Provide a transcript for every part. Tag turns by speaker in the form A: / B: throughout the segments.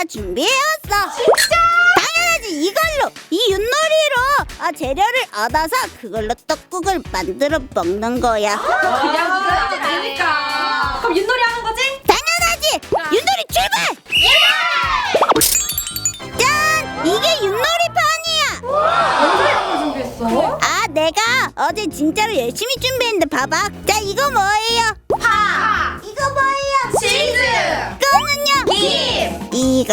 A: 준비해왔어. 진짜? 당연하지. 이걸로 이 윷놀이로 재료를 얻어서 그걸로 떡국을 만들어 먹는 거야.
B: 그냥 그래도 되니까. 그럼 윷놀이 하는 거지?
A: 당연하지. 윷놀이 출발! 짠! 이게 윷놀이판이야.
B: 언제 이런 걸 준비했어?
A: 내가 어제 진짜로 열심히 준비했는데 봐봐. 자, 이거 뭐예요?
B: 파!
A: 이거 뭐예요?
B: 치즈!
A: 이거는요?
B: 김!
A: 이거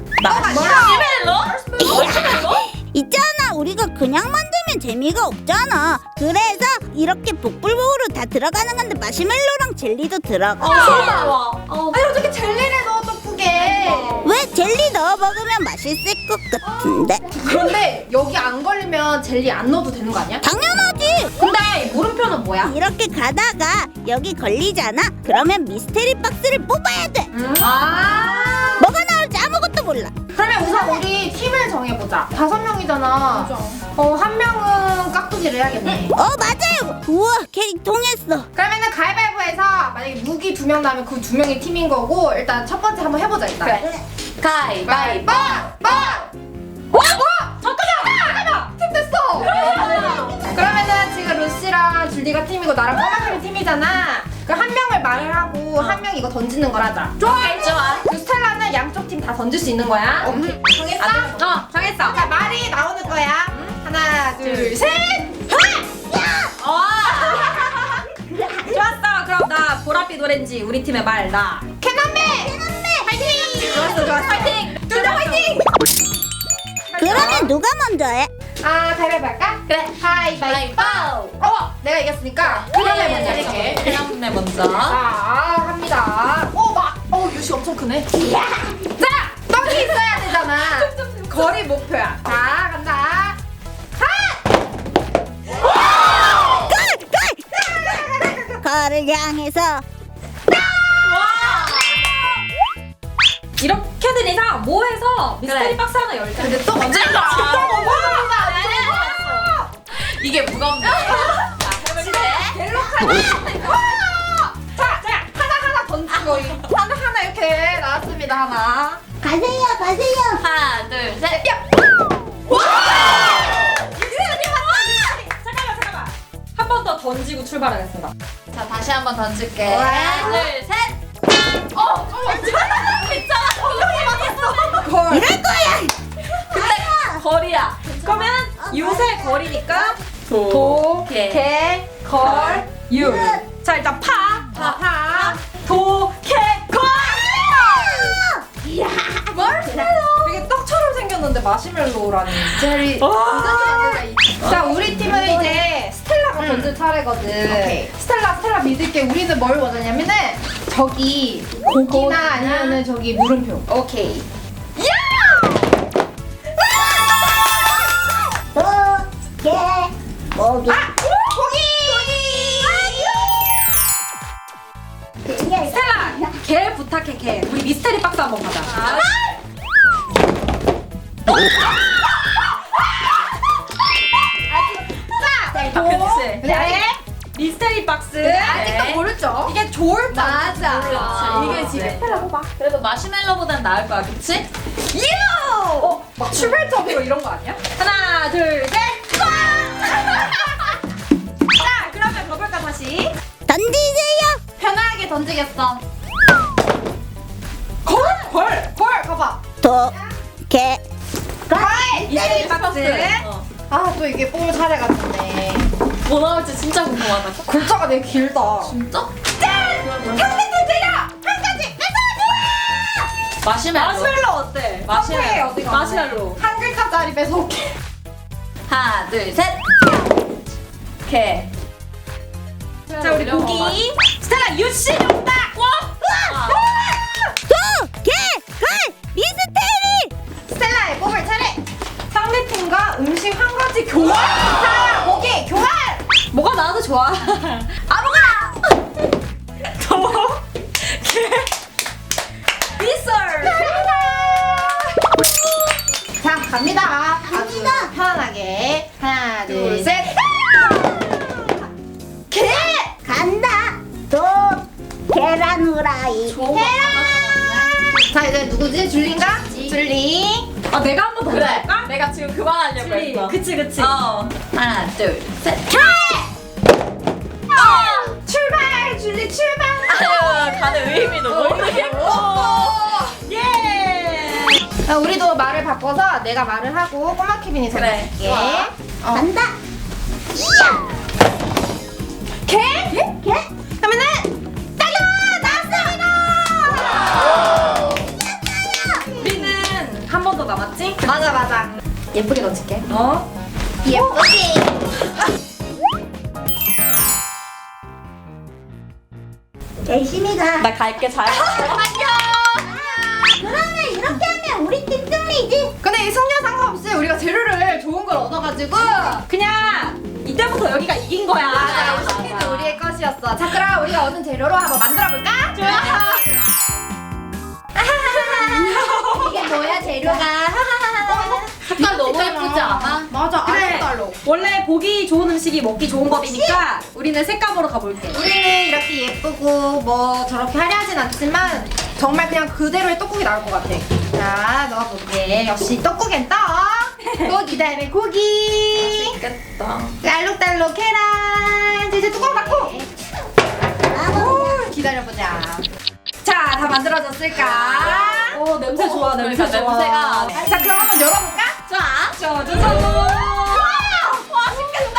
B: 마시멜로?
A: 있잖아. 우리가 그냥 만들면 재미가 없잖아. 그래서 이렇게 복불복으로 다 들어가는 건데 마시멜로랑 젤리도 들어가.
B: 아니 어떻게 젤리를 넣어 떡국에?
A: 왜 젤리 넣어 먹으면 맛있을 것 같은데?
B: 그런데 여기 안 걸리면 젤리 안 넣어도 되는 거 아니야?
A: 당연하지.
B: 근데 물음표는 뭐야?
A: 이렇게 가다가 여기 걸리잖아. 그러면 미스테리 박스를 뽑아야 돼.
B: 아
A: 뭐가 나올지 아무것도 몰라.
B: 그러면 우선 우리 팀을 정해보자. 5명이잖아. 한 명은 깍두기를 해야겠네.
A: 맞아요. 우와, 캐릭 통했어.
B: 그러면은 가위바위보해서 만약에 무기 2명 나면 그 2명이 팀인 거고 일단 첫 번째 한번 해보자 일단.
C: 그래. 가위바위보!
B: 잠깐만! 팀 됐어! 그러면은 지금 루시랑 줄리가 팀이고 나랑 꼬마팀이 팀이잖아. 그럼 한 명을 말을 하고 한 명 이거 던지는 걸 하자.
C: 좋아.
B: 그 스텔라는 양쪽 팀 다 던질 수 있는 거야. 정했어?
C: 정했어.
B: 자, 말이 나오는 거야. 하나, 둘, 셋!
C: 좋았어. 그럼 나 보랏빛 오렌지 우리 팀의 말 나.
B: 캐논맨! 파이팅!
C: 좋았어. 파이팅. 둘 다 파이팅.
A: 그러면 누가 먼저 해?
B: 가위바위보 할까?
C: 그래.
B: 가위바위보! 내가 이겼으니까 캐논맨 먼저 할게.
C: 그냥 먼저.
B: 자, 합니다. 유시 엄청 크네. 자, 떡이 있어야 되잖아. 거리 목표야. 자, 간다.
A: 거를 향해서.
C: 이렇게 된 이상 뭐 해서 미스테리 박스 하나 열자.
B: 근데 또 언제
C: 이게 무겁네.
B: 자, 하나 던지고 하나 이렇게 나왔습니다. 하나.
A: 가세요.
C: 하나, 둘, 셋. 잠깐만. 한 번 더 던지고 출발하겠습니다. 자, 다시 한 번 던질게. 하나, 둘, 셋. 괜찮아.
A: 이럴 거야.
C: 근데 거리야. 그러면 요새 거리니까 도, 개, 걸, 유. 자, 일단 파, 도, 개, 걸.
B: 되게 떡처럼 생겼는데 마시멜로라는.
C: 제리.
B: 자, 우리 팀은 이제 스텔라가 던질 차례거든. 스텔라 믿을게. 우리는 뭘 원하냐면은 저기 고기나 아니면은 저기 물음표. 오케이.
A: 고기.
C: 스텔라, 개 부탁해, 개. 우리 미스테리 박스 한번 가자. 그치?
B: 네.
C: 미스테리 박스.
B: 아직도 모르죠?
C: 이게 좋을 것
B: 맞아.
C: 이게 지금.
B: 스텔라 뽑아.
C: 그래도 마시멜로보단 나을 거야, 그치?
B: 막 출발점이고 이런 거 아니야?
C: 하나, 둘, 셋, 자, 그러면 가볼까, 다시?
A: 던지세요.
B: 편하게 던지겠어. 걸! 가봐.
A: 도, 개.
B: 미스테리 박스. 또 이게 뽑을 차례가 됐네.
C: 뭐 나올지 진짜 궁금하다.
B: 글자가 되게 길다.
C: 진짜?
B: 한 가지 드려! 한 가지!
C: 마시멜로. 마시멜로 어때?
B: 마시멜로. 어디가?
C: 마시멜로.
B: 한 글자짜리 뺏어올게.
C: 하나, 둘, 셋. 개. 자, 우리 고기. 스텔라 유씨 정답. 와!
A: 도, 개, 걸, 미스테리.
B: 스텔라의 뽑을 차례! 상대팀과 음식 한 가지 교환! 자, 고기 교환!
C: 뭐가 나와도 좋아. 아무거나. 도, 개. 미썰.
B: 자, 갑니다. 아주 편안하게. 하나, 둘, 셋. 개!
A: 간다. 도, 계란 후라이.
B: 자, 이제 누구지? 줄리인가? 줄리.
C: 아 내가 한 번 더
D: 그래.
C: 해볼까?
D: 내가 지금 그만하려고 했어.
C: 그치 그치.
D: 어.
B: 하나, 둘, 셋. 출발, 줄리 출발.
D: 아유, 가는 의미도 모르겠고.
C: 예.
B: 우리도 말을 바꿔서 내가 말을 하고 꼬마 케빈이
D: 그래,
B: 던질게.
D: 좋아.
A: 간다.
B: 개?
A: 개?
B: 그러면은 딸라 나왔습니다.
C: 우리는 한 번 더 남았지?
B: 맞아. 예쁘게 던질게.
C: 어?
B: 예쁘게.
A: 열심히 가.
D: 나 갈게 잘.
A: 그러면 이렇게 하면 우리 팀 승리지.
B: 근데 이 승려 상관없이 우리가 재료를 좋은 걸 얻어가지고
C: 그냥 이때부터 여기가 이긴 거야.
B: 맞아, 이 식기도 우리의 것이었어. 자, 그럼 우리가 얻은 재료로 한번 만들어볼까? 좋아. 이게 뭐야 재료가?
D: 색깔 너무 예쁘지 않아?
B: 맞아,
C: 그래.
B: 알록달록.
C: 원래 보기 좋은 음식이 먹기 좋은 법이니까 우리는 색감으로 가볼게.
B: 우리는 이렇게 예쁘고 뭐 저렇게 화려하진 않지만 정말 그냥 그대로의 떡국이 나올 것 같아. 자, 넣어볼게. 역시 떡국엔 떡. 고기 다음에 고기.
D: 맛있겠다.
B: 알록달록 계란. 이제 뚜껑 닫고. 오, 기다려보자. 자, 다 만들어졌을까?
C: 오 냄새 좋아 냄새
D: 그러니까
C: 좋아.
D: 냄새가.
B: 자, 그럼 한번 열어볼까?
D: 자.
C: 짜자잔.
D: 맛있겠다.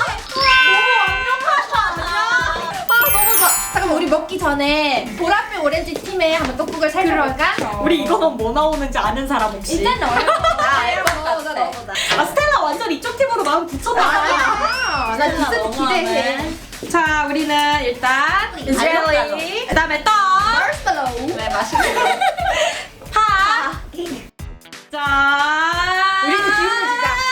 B: 아, 너무 좋아. 잠깐만, 우리 먹기 전에 보랏빛 오렌지 팀에 한번 떡국을 살펴볼까?
C: 우리 이거는 뭐 나오는지 아는 사람 혹시?
B: 일단 넣어보자.
D: 알것 같아.
B: 넣어보자.
C: 아 스텔라 완전 이쪽 팀으로 마음 붙였나 봐.
B: 아, 나 디저트
D: 너무하네.
B: 기대해.
C: 자 우리는 일단 젤리 그다음에 떡.
B: 마시멜로우.
D: 네, 맛있겠다.
C: 파. 자.
B: 우리도 기운을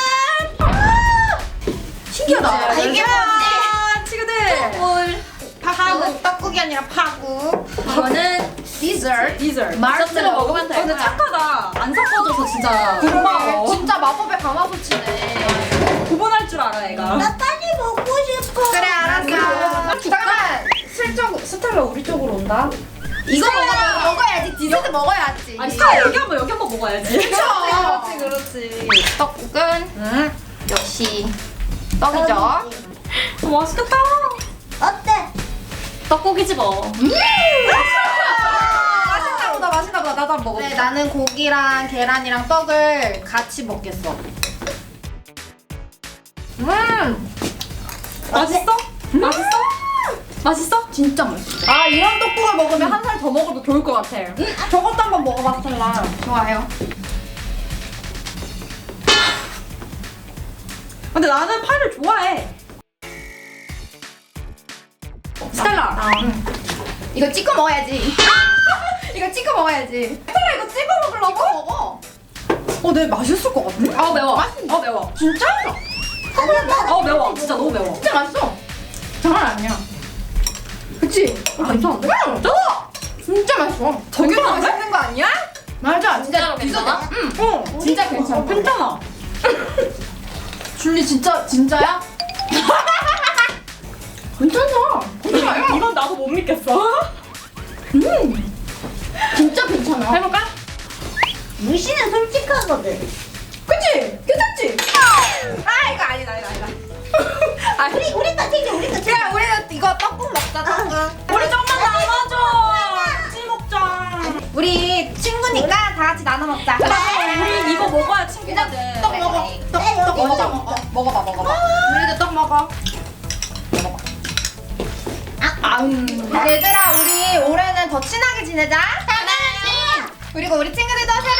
B: 주자. 신기하다.
D: 아,
B: 이게
C: 자, 친구들.
B: 파국. 떡국이 아니라 파국. 이거는 디저트.
C: 디저트.
D: 디저트로 먹으면 될
C: 근데
D: 거야.
C: 착하다. 안 섞어줘서 진짜 고마워.
B: 진짜 마법의 가마솥이네.
C: 구분할 줄 알아 애가.
A: 나 빨리 먹고 싶어.
B: 그래, 알았어. 잠깐만. 슬쩍 스텔라 우리 쪽으로 온다. 이거 먹어야지. 디저트 먹어야지.
C: 아니 스텔라 여기 한번 먹어야지.
B: 그렇지. 떡국은 역시 떡이죠.
C: 맛있겠다.
A: 어때?
D: 떡국이지 뭐.
B: 맛있나 보다. 나도 한번 먹어. 네, 나는 고기랑 계란이랑 떡을 같이 먹겠어.
C: 맛있어? 맛있어? 맛있어?
B: 진짜 맛있어. 아, 이런 떡국을 먹으면 한 살 더 먹어도 좋을 것 같아. 저것도 한번 먹어봐, 스텔라. 좋아요.
C: 근데 나는 파를 좋아해. 스텔라.
B: 이거 찍어 먹어야지. 이거 찍어 먹어야지. 스텔라 이거 찍어 먹으려고? 찍어 먹어. 네, 맛있을 것 같아.
C: 아 매워. 아 매워.
B: 진짜?
C: 아 매워. 진짜 너무 매워.
B: 진짜 맛있어. 장난 아니야. 그치? 괜찮은데? 진짜 맛있어.
C: 되게
B: 맛있는 거 아니야? 맞아.
D: 진짜로 괜찮아?
B: 응. 진짜 괜찮아.
C: 괜찮아.
B: 줄리 진짜야? 괜찮아. 괜찮아요.
C: 이건 나도 못 믿겠어.
B: 진짜 괜찮아.
C: 해볼까?
A: 무시는 솔직하거든.
B: 그치? 괜찮지? 아, 이거 아니다. 아,
A: 우리 거 챙겨, 우리 거 챙겨.
B: 그래, 우리는 이거 떡국 먹자, 떡국.
C: 우리 좀만 나눠줘. 같이 먹자.
B: 우리 친구니까 다 같이 나눠 먹자.
C: 우리 이거 먹어야 친구들.
B: 떡 먹어. 떡 먼저 먹어. 먹어봐. 우리도 떡 먹어. 얘들아, 우리 올해는 더 친하게 지내자. 당연하지. 그리고 우리 친구들도 새해